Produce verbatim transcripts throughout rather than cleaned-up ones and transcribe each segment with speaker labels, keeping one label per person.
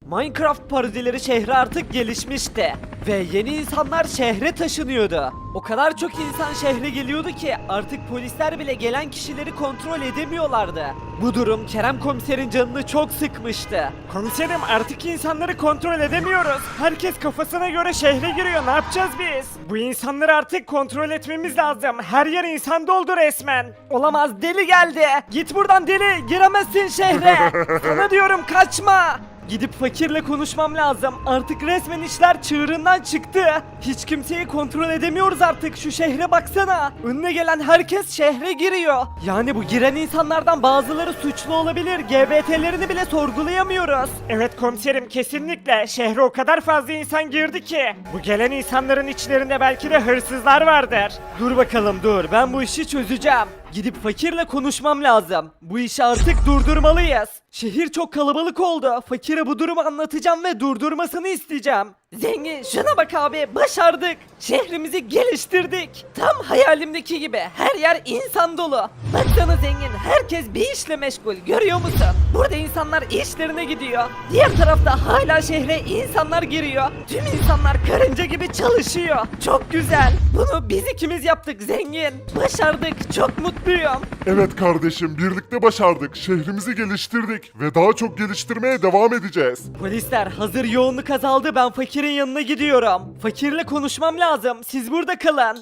Speaker 1: Minecraft parodileri şehre artık gelişmişti. Ve yeni insanlar şehre taşınıyordu. O kadar çok insan şehre geliyordu ki artık polisler bile gelen kişileri kontrol edemiyorlardı. Bu durum Kerem Komiser'in canını çok sıkmıştı. Komiserim, artık insanları kontrol edemiyoruz. Herkes kafasına göre şehre giriyor. Ne yapacağız biz? Bu insanları artık kontrol etmemiz lazım. Her yer insan doldu resmen. Olamaz, deli geldi. Git buradan deli. Giremezsin şehre. Sana diyorum, kaçma. Gidip fakirle konuşmam lazım. Artık resmen işler çığırından çıktı. Hiç kimseyi kontrol edemiyoruz artık. Şu şehre baksana. Önüne gelen herkes şehre giriyor. Yani bu giren insanlardan bazıları suçlu olabilir. G B T'lerini bile sorgulayamıyoruz. Evet komiserim, kesinlikle. Şehre o kadar fazla insan girdi ki. Bu gelen insanların içlerinde belki de hırsızlar vardır. Dur bakalım dur. Ben bu işi çözeceğim. Gidip fakirle konuşmam lazım. Bu işi artık durdurmalıyız. Şehir çok kalabalık oldu. Fakire bu durumu anlatacağım ve durdurmasını isteyeceğim. Zengin, şuna bak abi, başardık. Şehrimizi geliştirdik. Tam hayalimdeki gibi her yer insan dolu. Baksana zengin, herkes bir işle meşgul, görüyor musun? Burada insanlar işlerine gidiyor. Diğer tarafta hala şehre insanlar giriyor. Tüm insanlar karınca gibi çalışıyor. Çok güzel. Bunu biz ikimiz yaptık zengin. Başardık. Çok mutluyum.
Speaker 2: Evet kardeşim, birlikte başardık. Şehrimizi geliştirdik ve daha çok geliştirmeye devam edeceğiz.
Speaker 1: Polisler, hazır yoğunluk azaldı, ben fakirin yanına gidiyorum. Fakirle konuşmam lazım. Siz burada kalın.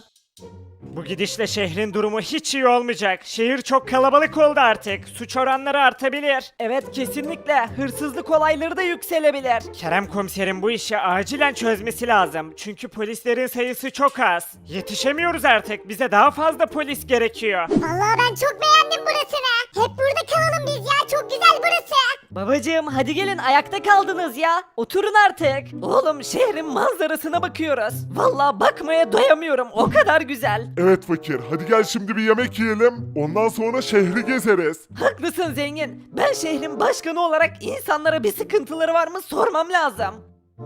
Speaker 1: Bu gidişle şehrin durumu hiç iyi olmayacak. Şehir çok kalabalık oldu artık. Suç oranları artabilir. Evet, kesinlikle. Hırsızlık olayları da yükselebilir. Kerem komiserin bu işi acilen çözmesi lazım. Çünkü polislerin sayısı çok az. Yetişemiyoruz artık. Bize daha fazla polis gerekiyor.
Speaker 3: Vallahi ben çok beğendim burasını. Hep burada kalalım biz ya. Çok güzel burası.
Speaker 1: Babacığım, hadi gelin, ayakta kaldınız ya. Oturun artık. Oğlum, şehrin manzarasına bakıyoruz. Vallahi bakmaya doyamıyorum. O kadar güzel.
Speaker 2: Evet fakir, hadi gel şimdi bir yemek yiyelim. Ondan sonra şehri gezeriz.
Speaker 1: Haklısın zengin. Ben şehrin başkanı olarak insanlara bir sıkıntıları var mı sormam lazım.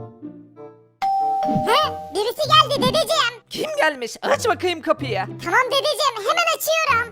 Speaker 3: He? Birisi geldi dedeciğim.
Speaker 1: Kim gelmiş? Aç bakayım kapıyı.
Speaker 3: Tamam dedeciğim, hemen açıyorum.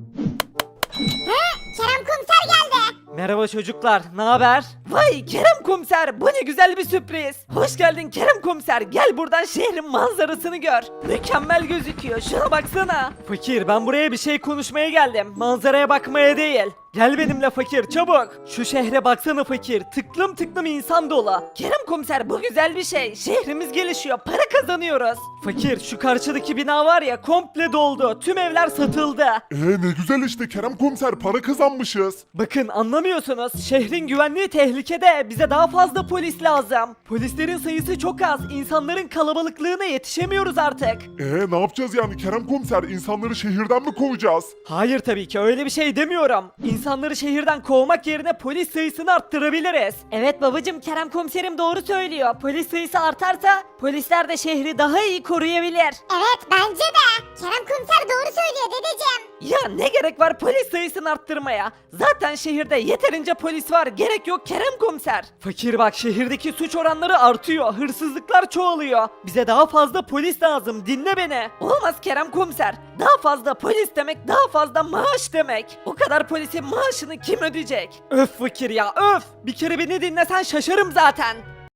Speaker 3: He? Kerem komiser geldi.
Speaker 1: Merhaba çocuklar, ne haber? Vay Kerem komiser, bu ne güzel bir sürpriz. Hoş geldin Kerem komiser, gel buradan şehrin manzarasını gör. Mükemmel gözüküyor, şuna baksana. Fakir, ben buraya bir şey konuşmaya geldim, manzaraya bakmaya değil. Gel benimle fakir, çabuk. Şu şehre baksana fakir, tıklım tıklım insan dolu. Kerem komiser, bu güzel bir şey. Şehrimiz gelişiyor, para kazanıyoruz. Fakir, şu karşıdaki bina var ya, komple doldu. Tüm evler satıldı.
Speaker 2: Ee ne güzel işte Kerem komiser, para kazanmışız.
Speaker 1: Bakın, anlamıyorsunuz. Şehrin güvenliği tehlikede. Bize daha fazla polis lazım. Polislerin sayısı çok az. İnsanların kalabalıklığına yetişemiyoruz artık.
Speaker 2: Ee ne yapacağız yani Kerem komiser, insanları şehirden mi kovacağız?
Speaker 1: Hayır, tabii ki öyle bir şey demiyorum. İnsanları şehirden kovmak yerine polis sayısını arttırabiliriz. Evet babacım, Kerem komiserim doğru söylüyor. Polis sayısı artarsa polisler de şehri daha iyi koruyabilir.
Speaker 3: Evet bence de. Kerem komiser doğru söylüyor dedeciğim.
Speaker 1: Ya ne gerek var polis sayısını arttırmaya? Zaten şehirde yeterince polis var. Gerek yok Kerem komiser. Fakir bak, şehirdeki suç oranları artıyor. Hırsızlıklar çoğalıyor. Bize daha fazla polis lazım. Dinle beni. Olmaz Kerem komiser. Daha fazla polis demek daha fazla maaş demek. O kadar polisin maaşını kim ödeyecek? Öf fakir ya, öf. Bir kere beni dinlesen şaşarım zaten.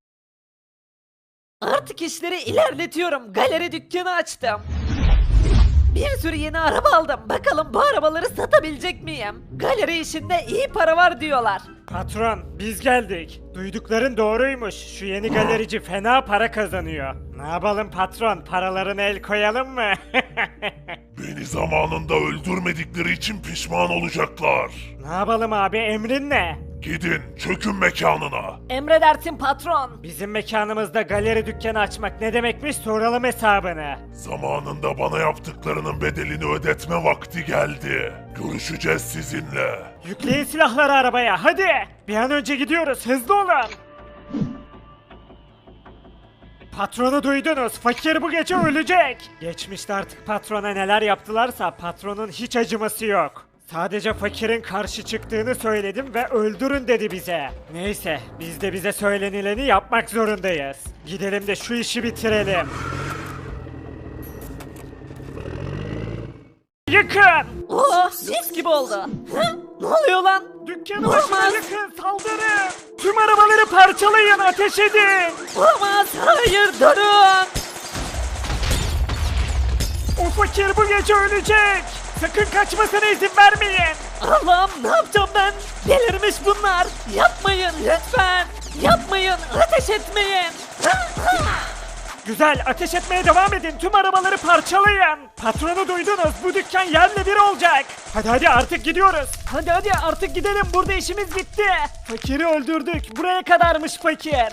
Speaker 1: Artık işleri ilerletiyorum. Galeri dükkanı açtım. Bir sürü yeni araba aldım. Bakalım bu arabaları satabilecek miyim? Galeri işinde iyi para var diyorlar. Patron, biz geldik. Duydukların doğruymuş. Şu yeni galerici fena para kazanıyor. Ne yapalım patron? Paralarına el koyalım mı?
Speaker 2: Beni zamanında öldürmedikleri için pişman olacaklar.
Speaker 1: Ne yapalım abi, emrin ne?
Speaker 2: Gidin, çökün mekanına.
Speaker 1: Emredersin patron. Bizim mekanımızda galeri dükkanı açmak ne demekmiş, soralım hesabını.
Speaker 2: Zamanında bana yaptıklarının bedelini ödetme vakti geldi. Görüşeceğiz sizinle.
Speaker 1: Yükleyin silahları arabaya, hadi. Bir an önce gidiyoruz, hızlı olun. Patronu duydunuz, fakir bu gece ölecek. Geçmişte artık patrona neler yaptılarsa patronun hiç acıması yok. Sadece fakirin karşı çıktığını söyledim ve öldürün dedi bize. Neyse, biz de bize söylenileni yapmak zorundayız. Gidelim de şu işi bitirelim. Yıkın! Oh, mis gibi oldu. Hı? Ne oluyor lan? Dükkanı başına yakın, saldırın. Tüm arabaları parçalayın, ateş edin. Olamaz, hayır, durun. O fakir bu gece ölecek. Sakın kaçmasına izin vermeyin. Allah'ım, ne yapacağım ben? Delirmiş bunlar. Yapmayın lütfen. Yapmayın, ateş etmeyin. Güzel, ateş etmeye devam edin. Tüm arabaları parçalayın. Patronu duydunuz. Bu dükkan yerle bir olacak. Hadi hadi artık gidiyoruz. Hadi hadi artık gidelim. Burada işimiz bitti. Fakiri öldürdük. Buraya kadarmış fakir.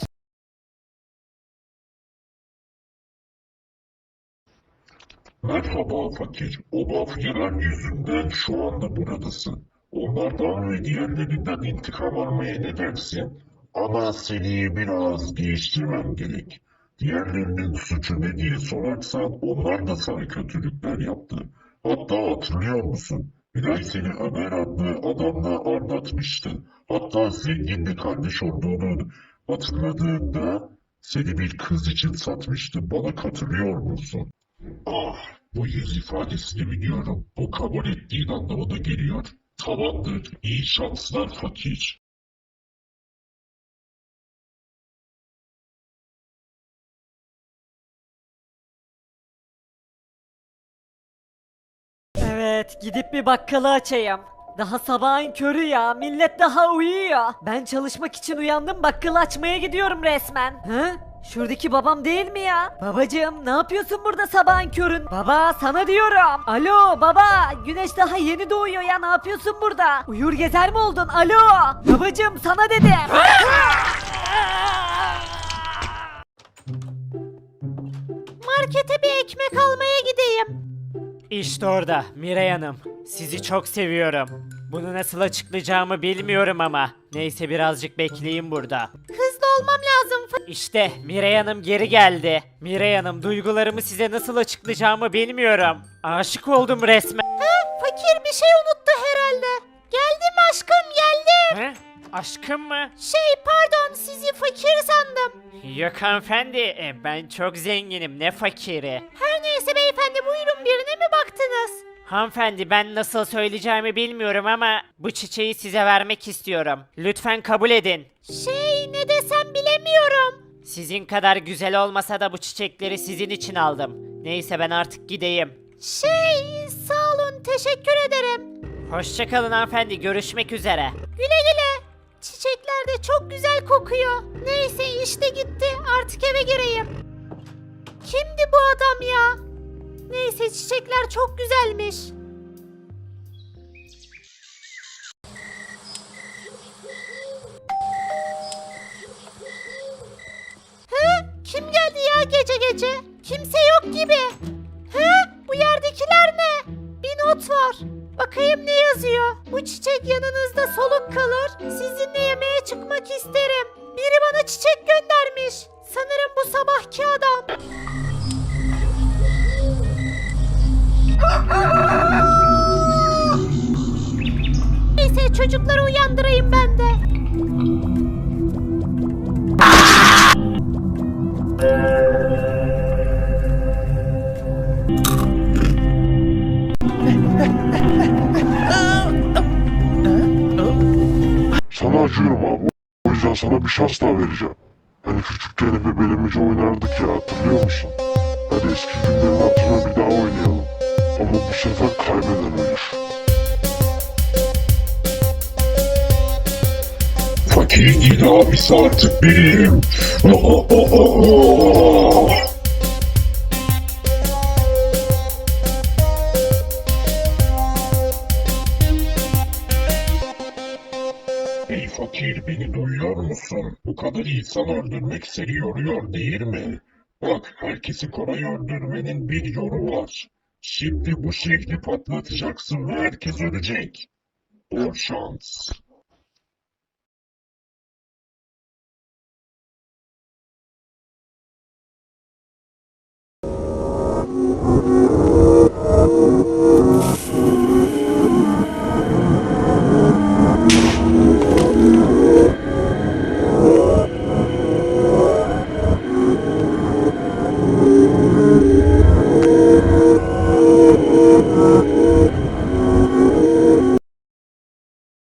Speaker 2: Merhaba fakir. O mafyalar yüzünden şu anda buradasın. Onlardan ve diğerlerinden intikam almaya ne dersin? Ama seni biraz değiştirmem gerek. Diğerlerinin suçu ne diye sorarsan onlar da sana kötülükler yaptı. Hatta hatırlıyor musun? Miray seni Ömer adlı adamla anlatmıştı. Hatta zengin bir kardeş olduğunu hatırladığında seni bir kız için satmıştı. Bana katılıyor musun? Ah, bu yüz ifadesini biliyorum. Bu kabul ettiğin anlamına geliyor. Tamamdır, iyi şanslar fakir.
Speaker 1: Evet, gidip bir bakkalı açayım. Daha sabahın körü ya, millet daha uyuyor. Ben çalışmak için uyandım, bakkalı açmaya gidiyorum resmen. Hı? Şuradaki babam değil mi ya? Babacığım, ne yapıyorsun burada sabahın körün? Baba, sana diyorum. Alo baba, güneş daha yeni doğuyor ya, ne yapıyorsun burada? Uyur gezer mi oldun? Alo. Babacığım, sana dedim.
Speaker 4: Markete bir ekmek almaya gideyim.
Speaker 1: İşte orada Miray Hanım. Sizi çok seviyorum. Bunu nasıl açıklayacağımı bilmiyorum ama. Neyse birazcık bekleyin burada.
Speaker 4: Hızlı olmam lazım. Fa-
Speaker 1: İşte Miray Hanım geri geldi. Miray Hanım, duygularımı size nasıl açıklayacağımı bilmiyorum. Aşık oldum resmen.
Speaker 4: Ha, fakir bir şey unuttu herhalde. Geldim aşkım, geldim.
Speaker 1: He? Aşkım mı?
Speaker 4: Şey pardon, sizi fakir sandım.
Speaker 1: Yok hanımefendi, e, ben çok zenginim, ne fakiri.
Speaker 4: Her neyse beyefendi, buyurun, birine mi baktınız?
Speaker 1: Hanımefendi, ben nasıl söyleyeceğimi bilmiyorum ama bu çiçeği size vermek istiyorum. Lütfen kabul edin.
Speaker 4: Şey ne desem bilemiyorum.
Speaker 1: Sizin kadar güzel olmasa da bu çiçekleri sizin için aldım. Neyse ben artık gideyim.
Speaker 4: Şey sağ olun, teşekkür ederim.
Speaker 1: Hoşçakalın hanımefendi, görüşmek üzere.
Speaker 4: Güle güle. Çiçekler de çok güzel kokuyor. Neyse işte gitti, artık eve gireyim. Kimdi bu adam ya? Neyse çiçekler çok güzelmiş. He? Kim geldi ya gece gece? Kimse yok gibi. He? Bu yerdekiler ne? Bir not var. Bakayım ne yazıyor. Bu çiçek yanınızda soluk kalır. Sizinle yemeğe çıkmak isterim. Biri bana çiçek göndermiş. Sanırım bu sabahki adam. Neyse çocukları uyandırayım ben de.
Speaker 2: Sana acıyorum abi. O yüzden sana bir şans daha vereceğim. Hani küçükken hep bebeğimizce oynardık ya, hatırlıyor musun? Hadi eski günlerin hatırına bir daha oynayalım. Ama bu sefer kaybeden ölür. Fakir değil abisi artık benim. Ey fakir, beni duyuyor musun? Bu kadar insan öldürmek seni yoruyor değil mi? Bak, herkesi kolay öldürmenin bir yolu var. Şimdi bu şehri patlatacaksın ve herkes ölecek. Bol şans.